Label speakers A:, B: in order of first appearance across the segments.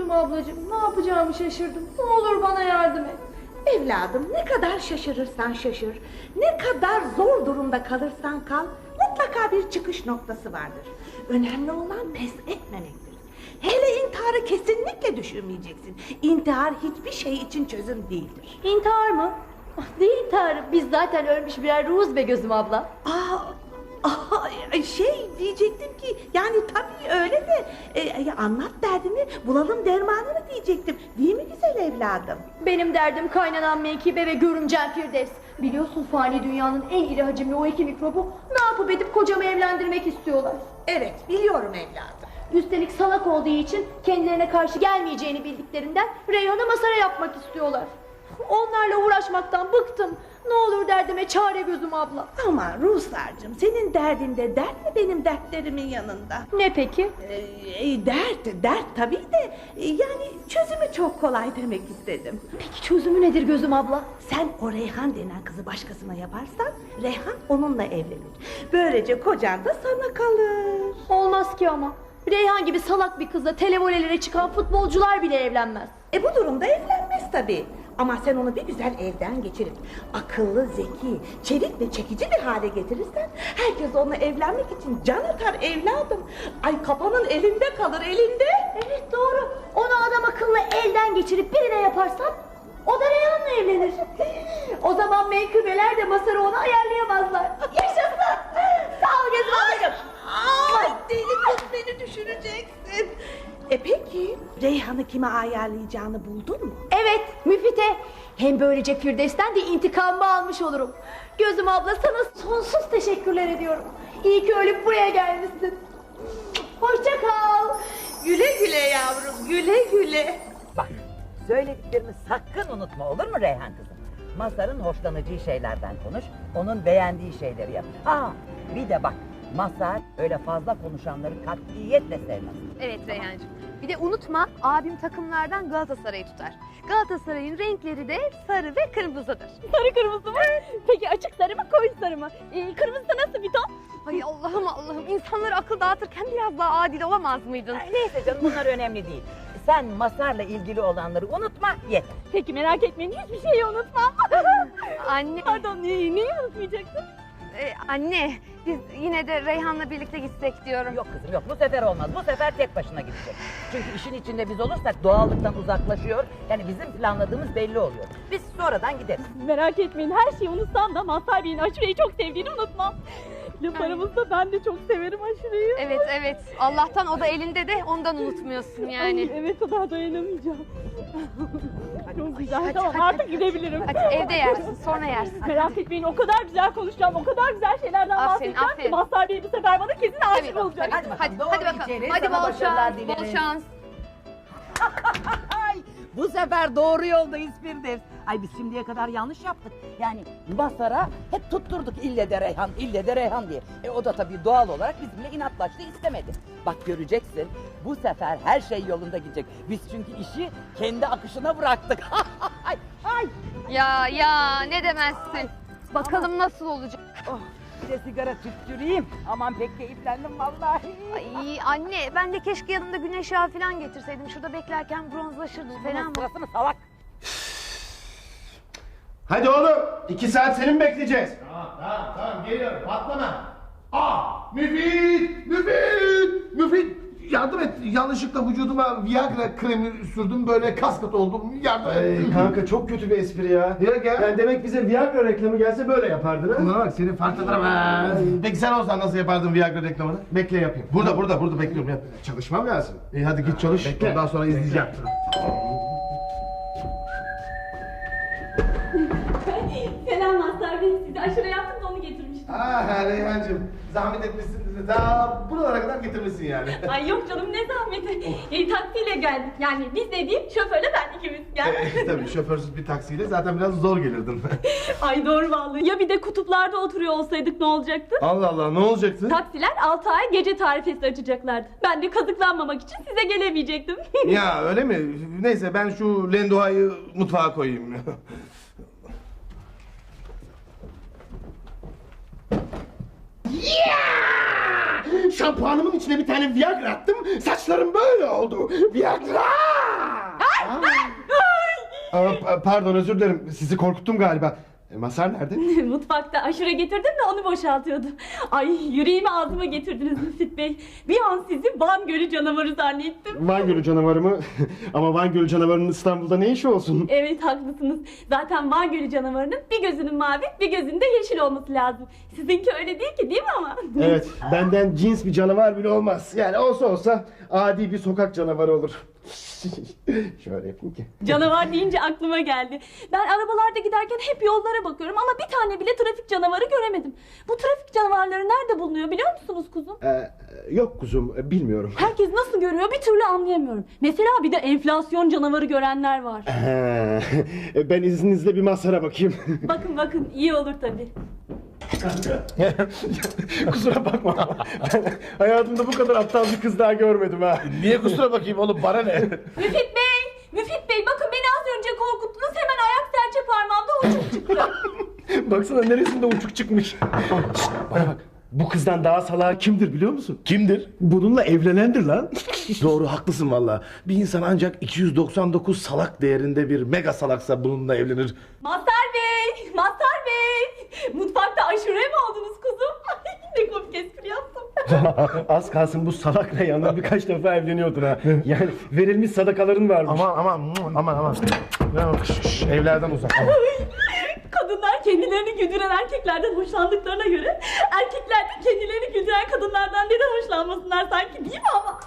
A: Gözüm ablacığım, ne yapacağımı şaşırdım. Ne olur bana yardım et.
B: Evladım, ne kadar şaşırırsan şaşır, ne kadar zor durumda kalırsan kal, mutlaka bir çıkış noktası vardır. Önemli olan pes etmemektir. Hele intiharı kesinlikle düşünmeyeceksin. İntihar hiçbir şey için çözüm değildir.
A: İntihar mı? Ah, ne intiharı? Biz zaten ölmüş birer ruhuz be Gözüm abla.
B: Diyecektim ki yani tabii öyle de anlat derdini, bulalım dermanını diyecektim. Değil mi güzel evladım?
A: Benim derdim kaynanan Mekibe ve görümcem Firdevs. Biliyorsun fani dünyanın en iri hacimli o iki mikrobu ne yapıp edip kocamı evlendirmek istiyorlar.
B: Evet, biliyorum evladım.
A: Üstelik salak olduğu için kendilerine karşı gelmeyeceğini bildiklerinden Reyhan'ı masara yapmak istiyorlar. Onlarla uğraşmaktan bıktım. Ne olur derdime çare Gözüm abla.
B: Ama Ruhsar'cığım, senin derdinde dert mi benim dertlerimin yanında?
A: Ne peki?
B: Dert tabii de yani çözümü çok kolay demek istedim.
A: Peki çözümü nedir Gözüm abla?
B: Sen o Reyhan denen kızı başkasına yaparsan Reyhan onunla evlenir. Böylece kocan da sana kalır.
A: Olmaz ki ama. Reyhan gibi salak bir kızla televolelere çıkan futbolcular bile evlenmez.
B: Bu durumda evlenmez tabii. Ama sen onu bir güzel evden geçirip akıllı, zeki, çevik ve çekici bir hale getirirsen herkes onunla evlenmek için can atar evladım. Ay, kafanın elinde kalır, elinde.
A: Evet doğru. Onu adam akıllı elden geçirip birine yaparsan o da Reyhan'la evlenir. O zaman menkıbeler de Masar'ı ona ayarlayamazlar. Yaşasın. Sağ ol Gözüm ablacığım.
B: Ay, deli kız, beni düşüreceksin. Peki Reyhan'ı kime ayarlayacağını buldun mu?
A: Evet, Müfite. Hem böylece Firdevs'ten de intikamımı almış olurum. Gözüm abla, sana sonsuz teşekkürler ediyorum. İyi ki ölüp buraya gelmişsin. Hoşça kal.
B: Güle güle yavrum, güle güle.
C: Bak, söylediklerimi sakın unutma, olur mu Reyhan kızım? Mazhar'ın hoşlanacağı şeylerden konuş, onun beğendiği şeyleri yap. Bir de bak, Mazhar öyle fazla konuşanları katiyetle sevmez.
D: Evet Reyhancığım. Bir de unutma, abim takımlardan Galatasaray'ı tutar. Galatasaray'ın renkleri de sarı ve kırmızıdır.
E: Sarı kırmızı mı? Peki açık sarı mı, koyu sarı mı? Kırmızı da nasıl bir ton?
D: Ay Allah'ım, insanları akıl dağıtırken biraz daha adil olamaz mıydın?
C: Neyse canım, bunlar önemli değil. Sen Mazhar'la ilgili olanları unutma, yeter.
E: Peki merak etmeyin, hiçbir şeyi unutmam.
D: Anne.
E: Pardon, neyi unutmayacaksın?
D: Anne, biz yine de Reyhan'la birlikte gitsek diyorum.
C: Yok kızım yok, bu sefer olmaz. Bu sefer tek başına gidecek. Çünkü işin içinde biz olursak doğallıktan uzaklaşıyor. Yani bizim planladığımız belli oluyor. Biz sonradan gideriz.
E: Merak etmeyin, her şeyi unutsam da Mazhar Bey'in Aşure'yi çok sevdiğini unutmam. Laf aramızda ben de çok severim Aşure'yi.
D: Evet. Allah'tan o da elinde de ondan unutmuyorsun yani.
E: Ay, evet, o daha dayanamayacağım. Çok güzel,
D: hadi,
E: tamam
D: hadi.
E: artık gidebiliriz.
D: Hadi evde yersin, sonra yersin.
E: Merak etmeyin, o kadar güzel konuşacağım, o kadar güzel şeylerden
D: Aferin,
E: bahsedeceğim ki
D: aferin.
E: Mazhar Bey bu sefer bana kesin aşık olacak.
D: Hadi
C: Doğru
D: bakalım.
C: içeri,
D: Hadi
C: sana
D: bol
C: başarılar
D: şans,
C: dileriz.
D: bol şans.
C: Ay, bu sefer doğru yoldayız Firdevs. Ay, biz şimdiye kadar yanlış yaptık. Yani Mazhar'a hep tutturduk ille de Reyhan diye. O da tabii doğal olarak bizimle inatlaştı, istemedi. Bak göreceksin, bu sefer her şey yolunda gidecek. Biz çünkü işi kendi akışına bıraktık. ay.
D: Ya ne demezsin. Bakalım nasıl olacak.
C: Oh, bir de sigara tüttüreyim. Aman pek keyiflendim vallahi.
D: Ay anne, ben de keşke yanımda güneş yağı falan getirseydim. Şurada beklerken bronzlaşırdım, fena mı?
C: Sırası mı salak?
F: Hadi oğlum, 2 saat seni mi bekleyeceğiz? Tamam, geliyorum, patlama. Müfit, yardım et. Yanlışlıkla vücuduma Viagra kremi sürdüm, böyle kaskat oldum. Yardım et.
G: Kanka çok kötü bir espri ya.
F: Ya gel.
G: Yani demek bize Viagra reklamı gelse böyle yapardın ha?
F: Buna bak, seni fark ederim. Peki sen olsan nasıl yapardın Viagra reklamını?
G: Bekle yapayım.
F: Burada bekliyorum, yap.
G: Çalışmam lazım.
F: İyi, hadi git çalış,
G: Bekle.
F: ondan sonra izleyeceğim.
E: Selam Mazhar Bey, size aşure yaptım da onu getirmiştim.
F: Reyhancığım, zahmet etmişsin bizi. Daha buralara kadar getirmişsin yani.
E: Ay yok canım, ne zahmeti. Taksiyle geldik, yani biz dediğim şoförle ben ikimiz geldik.
F: Tabii şoförsüz bir taksiyle zaten biraz zor gelirdin.
E: Ay doğru vallahi. Ya bir de kutuplarda oturuyor olsaydık ne olacaktı?
F: Allah Allah, ne olacaktı?
E: Taksiler 6 ay gece tarifesi açacaklardı. Ben de kazıklanmamak için size gelemeyecektim.
F: Ya öyle mi? Neyse, ben şu lendoayı mutfağa koyayım. Şampuanımın içine bir tane Viagra attım, saçlarım böyle oldu. Viagra!
G: Pardon, özür dilerim. Sizi korkuttum galiba. Mazhar nerede?
E: Mutfakta aşure getirdim de onu boşaltıyordu. Ay yüreğimi ağzıma getirdiniz Müfit Bey. Bir an sizi Van Gölü canavarı zannettim.
G: Van Gölü canavarı mı? Ama Van Gölü canavarının İstanbul'da ne işi olsun?
E: Evet haklısınız. Zaten Van Gölü canavarının bir gözünün mavi bir gözünde yeşil olması lazım. Sizinki öyle değil ki, değil mi ama?
G: Evet, benden cins bir canavar bile olmaz. Yani olsa adi bir sokak canavarı olur. Şöyle yapayım ki.
E: Canavar deyince aklıma geldi. Ben arabalarda giderken hep yollara bakıyorum ama bir tane bile trafik canavarı göremedim. Bu trafik canavarları nerede bulunuyor biliyor musunuz kuzum?
G: Yok kuzum, bilmiyorum.
E: Herkes nasıl görüyor bir türlü anlayamıyorum. Mesela bir de enflasyon canavarı görenler var.
G: Ben izninizle bir Mazhar'a bakayım.
E: Bakın iyi olur tabii.
G: Kusura bakma. Ben hayatımda bu kadar aptal bir kız daha görmedim ha.
F: Niye kusura bakayım oğlum, bana ne?
E: Müfit Bey bakın beni az önce korkuttunuz, hemen ayak serçe parmağımda uçuk çıktı.
G: Baksana neresinde uçuk çıkmış. Şşt, bana bak. Bu kızdan daha salağı kimdir biliyor musun?
F: Kimdir?
G: Bununla evlenendir lan.
F: Doğru, haklısın valla. Bir insan ancak 299 salak değerinde bir mega salaksa bununla evlenir.
E: Mazhar Bey, mutfakta aşure mi oldunuz kuzum? Ay, ne komik espri yaptım.
G: Az kalsın bu salakla yanına birkaç defa evleniyordun ha. Yani verilmiş sadakaların varmış.
F: Aman. Evlerden uzak.
E: Kadınlar kendilerini güldüren erkeklerden hoşlandıklarına göre erkekler de kendilerini güldüren kadınlardan neden hoşlanmasınlar sanki, değil mi ama?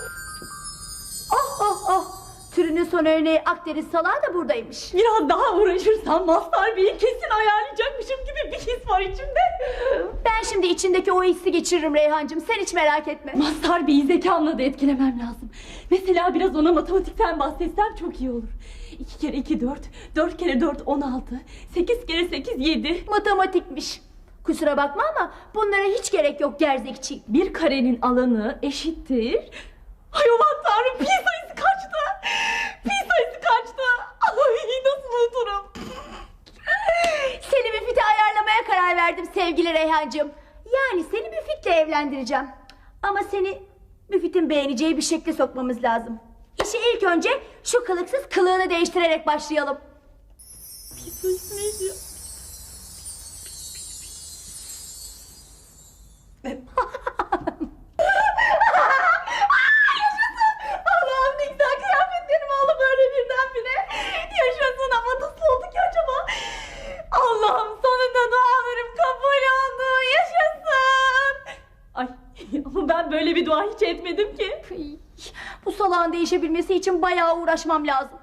A: Oh. Türünün son örneği Akdeniz salağı da buradaymış.
E: Biraz daha uğraşırsam Mazhar Bey'i kesin ayarlayacakmışım gibi bir his var içimde.
A: Ben şimdi içindeki o hissi geçiririm Reyhancığım, sen hiç merak etme.
E: Mazhar Bey'i zekamla da etkilemem lazım. Mesela biraz ona matematikten bahsetsem çok iyi olur. 2 kere 2 4, 4 kere 4 16, 8 kere 8 7.
A: Matematikmiş. Kusura bakma ama bunlara hiç gerek yok gerzekçi.
E: Bir karenin alanı eşittir. Ay aman tanrım, pi sayısı kaçtı? Pi sayısı kaçtı? Ay nasıl unuturum?
A: Seni Müfit'e ayarlamaya karar verdim sevgili Reyhancığım. Yani seni Müfit'le evlendireceğim. Ama seni Müfit'in beğeneceği bir şekle sokmamız lazım. İşi ilk önce şu kılıksız kılığını değiştirerek başlayalım.
E: Pi sayısı neydi? Allah'ım ne güzel kıyafetlerim oldu böyle birdenbire. Yaşasın ama nasıl oldu ki acaba? Allah'ım sonunda dualarım kabul oldu. Yaşasın. Ay ama ben böyle bir dua hiç etmedim ki.
A: Bu salağın değişebilmesi için bayağı uğraşmam lazım.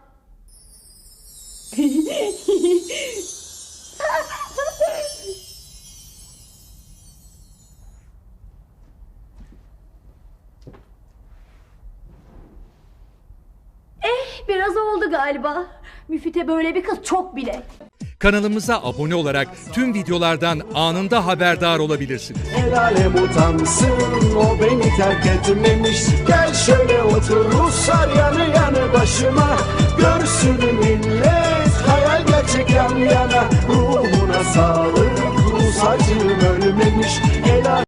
A: Biraz oldu galiba. Müfit'e böyle bir kız çok bile.
H: Kanalımıza abone olarak tüm videolardan anında haberdar olabilirsiniz.
I: El alem utansın, o beni terk etmemiş. Gel şöyle otur Ruslar yanı yanı başıma. Görsün millet hayal gerçek yan yana. Ruhuna sağlık Rus acım.